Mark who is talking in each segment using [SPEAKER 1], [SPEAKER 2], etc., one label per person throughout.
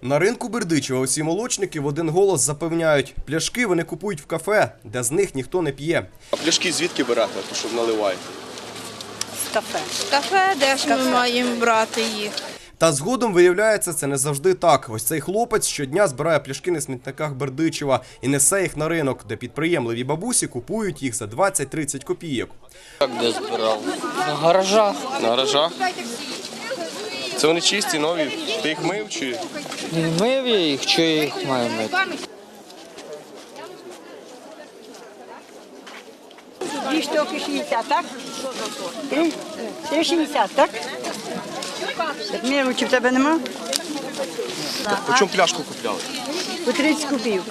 [SPEAKER 1] На ринку Бердичева усі молочники в один голос запевняють, пляшки вони купують в кафе, де з них ніхто не п'є.
[SPEAKER 2] А пляшки звідки берете, то щоб наливаєте?
[SPEAKER 3] З кафе. Кафе, де ж ми маємо брати їх?
[SPEAKER 1] Та згодом виявляється, це не завжди так. Ось цей хлопець щодня збирає пляшки на смітниках Бердичева і несе їх на ринок, де підприємливі бабусі купують їх за 20-30 копійок.
[SPEAKER 4] Як де збирав? На гаражах.
[SPEAKER 2] На гаражах? Це вони чисті, нові? Ти їх мив чи?
[SPEAKER 4] Не мив я їх, що я їх маю мити?
[SPEAKER 5] Дві штуки 60, так? Три 60, так? Міру, чи в тебе нема?
[SPEAKER 2] По чому пляшку купляли?
[SPEAKER 5] По 30 копійок.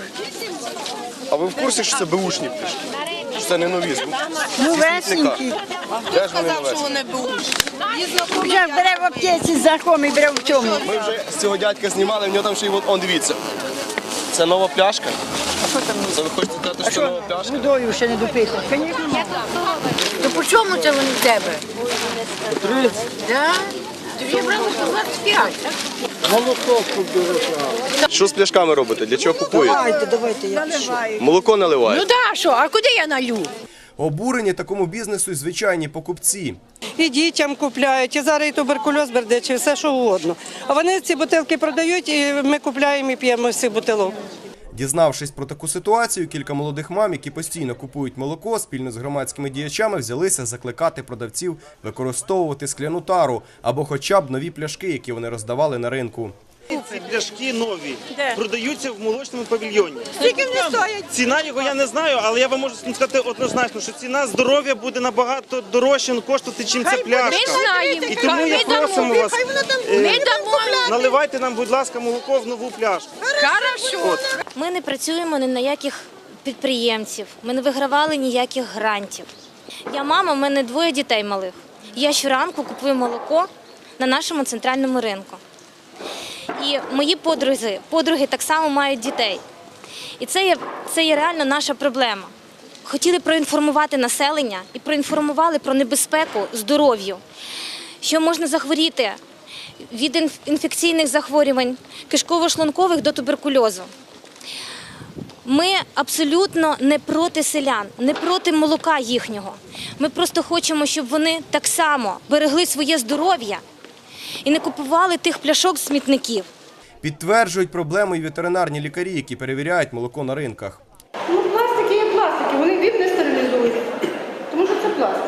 [SPEAKER 2] А ви в курсі, що це беушні пляшки? Що це не нові?
[SPEAKER 5] Ну, весенькі.
[SPEAKER 2] Де ж вони новесні?
[SPEAKER 5] Вже бере в аптеці, знайомий бере в цьому.
[SPEAKER 2] Ми вже з цього дядька знімали, в нього там ще й, он дивіться. Це нова пляшка?
[SPEAKER 5] А що там?
[SPEAKER 2] Це ви хочете сказати,
[SPEAKER 5] А
[SPEAKER 2] що нова
[SPEAKER 5] що,
[SPEAKER 2] пляшка?
[SPEAKER 5] водою ще не допити? Звісно, можна.
[SPEAKER 3] То по чому це вони в тебе?
[SPEAKER 4] 30.
[SPEAKER 3] Да? Тоді я брала по 25, так?
[SPEAKER 4] Молоко купив.
[SPEAKER 2] Що з пляшками робите? Для чого купуєте?
[SPEAKER 5] Давайте, я пишу.
[SPEAKER 2] Молоко наливаєте?
[SPEAKER 3] Ну да, що, а куди я налю?
[SPEAKER 1] Обурені такому бізнесу й звичайні покупці.
[SPEAKER 6] І дітям купляють, і зараз і туберкульоз бердичий, все що угодно. А вони ці бутилки продають, і ми купляємо і п'ємо з цих бутилок.
[SPEAKER 1] Дізнавшись про таку ситуацію, кілька молодих мам, які постійно купують молоко, спільно з громадськими діячами взялися закликати продавців використовувати скляну тару або хоча б нові пляшки, які вони роздавали на ринку.
[SPEAKER 7] Ці пляшки нові продаються в молочному павільйоні.
[SPEAKER 6] Скільки вони стоять?
[SPEAKER 7] Ціна його я не знаю, але я вам можу сказати однозначно, що ціна здоров'я буде набагато дорожче коштувати, чим ця пляшка.
[SPEAKER 3] Ми знаємо.
[SPEAKER 7] І тому я просимо вас,
[SPEAKER 3] Ми дамо.
[SPEAKER 7] наливайте нам, будь ласка, молоко в нову пляшку.
[SPEAKER 3] Хорошо.
[SPEAKER 8] Ми не працюємо ні на яких підприємців, ми не вигравали ніяких грантів. Я мама, в мене 2 дітей малих. Я щоранку купую молоко на нашому центральному ринку. І мої подруги так само мають дітей. І це є реально наша проблема. Хотіли проінформувати населення і проінформували про небезпеку здоров'ю, що можна захворіти від інфекційних захворювань, кишково-шлункових до туберкульозу. Ми абсолютно не проти селян, не проти молока їхнього. Ми просто хочемо, щоб вони так само берегли своє здоров'я і не купували тих пляшок з смітників.
[SPEAKER 1] Підтверджують проблему й ветеринарні лікарі, які перевіряють молоко на ринках.
[SPEAKER 9] Ну, пластики є пластики, вони від не стерилізують, тому що це пластик.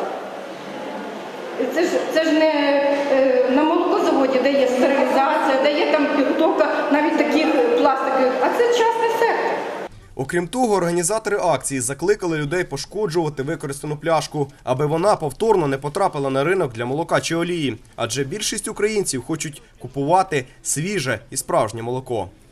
[SPEAKER 9] Це ж не на молокозаводі, де є стерилізація, де є там підготовка навіть таких пластиків, а це частний сектор.
[SPEAKER 1] Окрім того, організатори акції закликали людей пошкоджувати використану пляшку, аби вона повторно не потрапила на ринок для молока чи олії. Адже більшість українців хочуть купувати свіже і справжнє молоко.